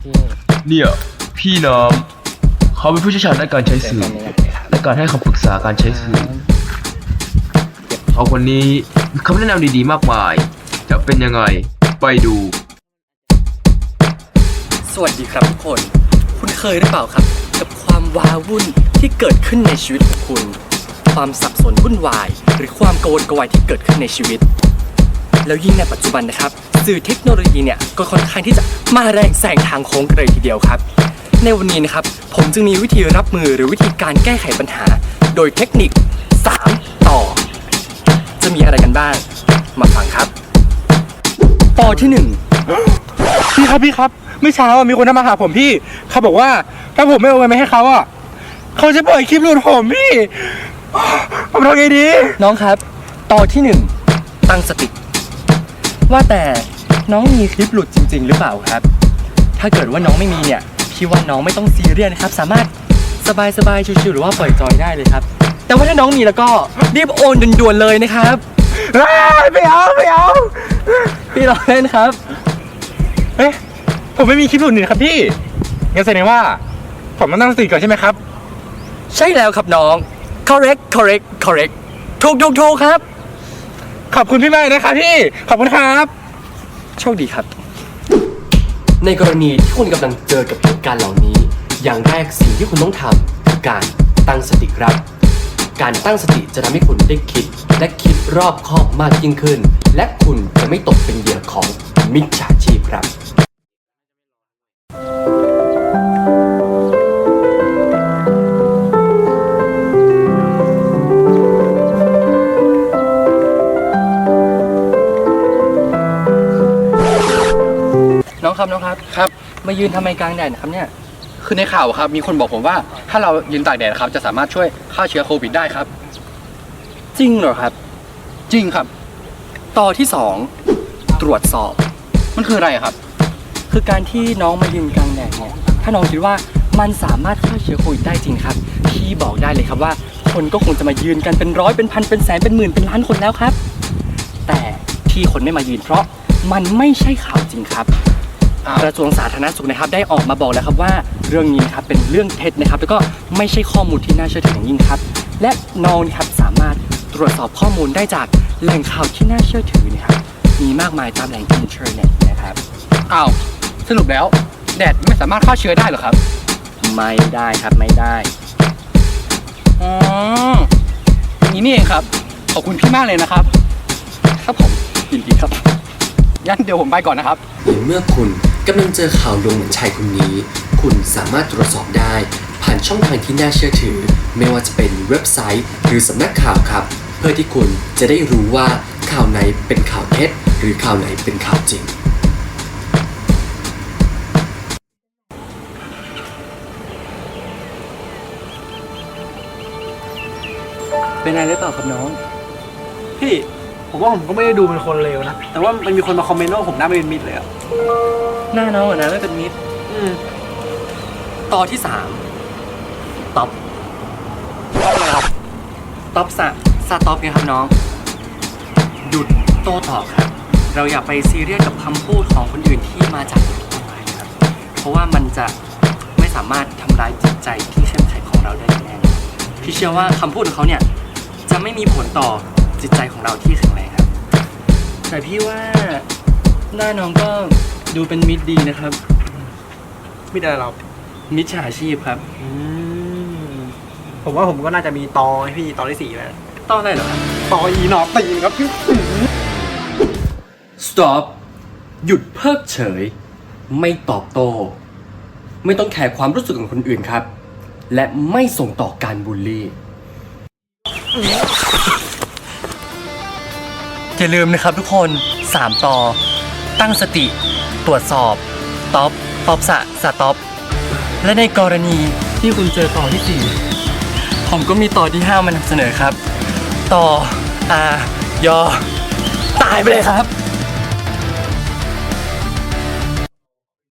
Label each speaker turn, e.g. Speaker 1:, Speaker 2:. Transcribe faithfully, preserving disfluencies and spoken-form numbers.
Speaker 1: เนี่ยพี่น้ำเขาเป็นผู้เชี่ยวชาญด้านการใช้สื่อและการให้คำปรึกษาการใช้สื่อเขาคนนี้มีคำแนะนำดีๆมากมายจะเป็นยังไงไปดู
Speaker 2: สวัสดีครับทุกคนคุณเคยหรือเปล่าครับกับความว้าวุ่นที่เกิดขึ้นในชีวิตของคุณความสับสนวุ่นวายหรือความโกลาหลที่เกิดขึ้นในชีวิตแล้วยิ่งในปัจจุบันนะครับสื่อเทคโนโลยีเนี่ยก็ค่อนข้างที่จะมาแรงแซงทางโค้งกันเลยทีเดียวครับในวันนี้นะครับผมจึงมีวิธีรับมือหรือวิธีการแก้ไขปัญหาโดยเทคนิคสามต่อจะมีอะไรกันบ้างมาฟังครับต่อที่หนึ่ง
Speaker 3: พี่ครับพี่ครับเมื่อเช้ามีคนมาหาผมพี่เขาบอกว่าถ้าผมไม่เอาเงินไปให้เขาอ่ะเขาจะปล่อยคลิปหลุดผมพี่ผมทำไงดี
Speaker 2: น้องครับต่อที่หนึ่งตั้งสติว่าแต่น้องมีคลิปหลุดจริงๆหรือเปล่าครับถ้าเกิดว่าน้องไม่มีเนี่ยพี่ว่าน้องไม่ต้องซีเรียสนะครับสามารถสบายๆชิวๆหรือว่าปล่อยจอยได้เลยครับแต่ว่าถ้าน้องมีแล้วก็รีบโอนด่วนๆเลยนะครับ
Speaker 3: ไม่เอาไม่เอา
Speaker 2: พี่รอเล่นครับ
Speaker 3: เอ๊ะผมไม่มีคลิปหลุดนี่ครับพี่งั้นแสดงว่าผมต้องตั้งสติก่อนใช่ไหมครับ
Speaker 2: ใช่แล้วครับน้อง correct correct correct ถูกถูกถูกครับ
Speaker 3: ขอบคุณพี่มากนะครับพี่ขอบคุณครับ
Speaker 2: โชคดีครับในกรณีที่คุณกำลังเจอกับเหตุการณ์เหล่านี้อย่างแรกสิ่งที่คุณต้องทำคือการตั้งสติครับการตั้งสติจะทำให้คุณได้คิดและคิดรอบคอบมากยิ่งขึ้นและคุณจะไม่ตกเป็นเหยื่อของมิจฉาชีพครับน้องครับน้องครับ
Speaker 3: ครับ
Speaker 2: มายืนทำไมกลางแดดครับเนี่ย
Speaker 3: คือในข่าวครับมีคนบอกผมว่าถ้าเรายืนตากแดดครับจะสามารถช่วยฆ่าเชื้อโควิดได้ครับ
Speaker 2: จริงเหรอครับ
Speaker 3: จริงครับ
Speaker 2: ต่อที่สองตรวจสอบ
Speaker 3: มันคืออะไรครับ
Speaker 2: คือการที่น้องมายืนกลางแดดเนี่ยถ้าน้องคิดว่ามันสามารถฆ่าเชื้อโควิดได้จริงครับพี่บอกได้เลยครับว่าคนก็คงจะมายืนกันเป็นร้อยเป็นพันเป็นแสนเป็นหมื่นเป็นล้านคนแล้วครับแต่ที่คนไม่มายืนเพราะมันไม่ใช่ข่าวจริงครับกระทรวงสาธารณสุขนะครับได้ออกมาบอกแล้วครับว่าเรื่องนี้นะครับเป็นเรื่องเท็จนะครับแล้วก็ไม่ใช่ข้อมูลที่น่าเชื่อถืออย่างยิ่งครับและน้องนะครับสามารถตรวจสอบข้อมูลได้จากแหล่งข่าวที่น่าเชื่อถือนะครับมีมากมายตามแหล่งอินเทอร์เน็ตนะครับ
Speaker 3: อ้าวสรุปแล้วแดดไม่สามารถฆ่าเชื้อได้หรอครับ
Speaker 2: ไม่ได้ครับไม่ได้
Speaker 3: อ๋ออย่างนี้นี่เองครับขอบคุณพี่มากเลยนะครับครับผมยินดีครับงั้นเดี๋ยวผมไปก่อนนะครับ
Speaker 2: เมื่อคุณกำลังเจอข่าวลวงเหมือนชายคนนี้คุณสามารถตรวจสอบได้ผ่านช่องทางที่น่าเชื่อถือไม่ว่าจะเป็นเว็บไซต์หรือสำนักข่าวครับเพื่อที่คุณจะได้รู้ว่าข่าวไหนเป็นข่าวเท็จหรือข่าวไหนเป็นข่าวจริงเป็นอะไรหรือเปล่าครับน้อง
Speaker 3: พี่ผมว่าผมก็ไม่ได้ดูเป็นคนเลวนะแต่ว่ามันมีคนมาคอมเมนต์ว่าผมหน้าไม่เป็นมิตรเลยอะ
Speaker 2: หน้าน้องอะนะไม่เป็นมิตร
Speaker 3: อืม
Speaker 2: ต่อที่สามต็อป
Speaker 3: ต็อปอะไรครับ
Speaker 2: ต็อปสะสะต็อปไงครับน้องหยุดโต้ตอบครับเราอย่าไปซีเรียสกับคำพูดของคนอื่นที่มาจากออนไลน์ครับเพราะว่ามันจะไม่สามารถทำร้ายจิตใจที่เข้มแข็งของเราได้แน่พี่เชื่อว่าคำพูดของเขาเนี่ยจะไม่มีผลต่อจิตใจของเราที่แข็งแรงครับแต่พี่ว่าหน้าน้องก็ดูเป็นมิตรดีนะครับ
Speaker 3: มิตรอะไรเรา
Speaker 2: มิจฉาชีพครับ
Speaker 3: อืมผมว่าผมก็น่าจะมีตอให้พี่ตอที่สี่แล้ว
Speaker 2: ตออะไรเหรอครับ
Speaker 3: ตออีหนอตีนครับพี่
Speaker 2: stop หยุดเพิกเฉยไม่ตอบโต้ไม่ต้องแคร์ความรู้สึกของคนอื่นครับและไม่ส่งต่อการบูลลี่อย่าลืมนะครับทุกคนสามต่อตั้งสติตรวจสอบต็อปต็อปสะสะต็อปและในกรณีที่คุณเจอต่อที่สี่ผมก็มีต่อที่ห้ามานำเสนอครับต่ออายอตายไปเลยครับ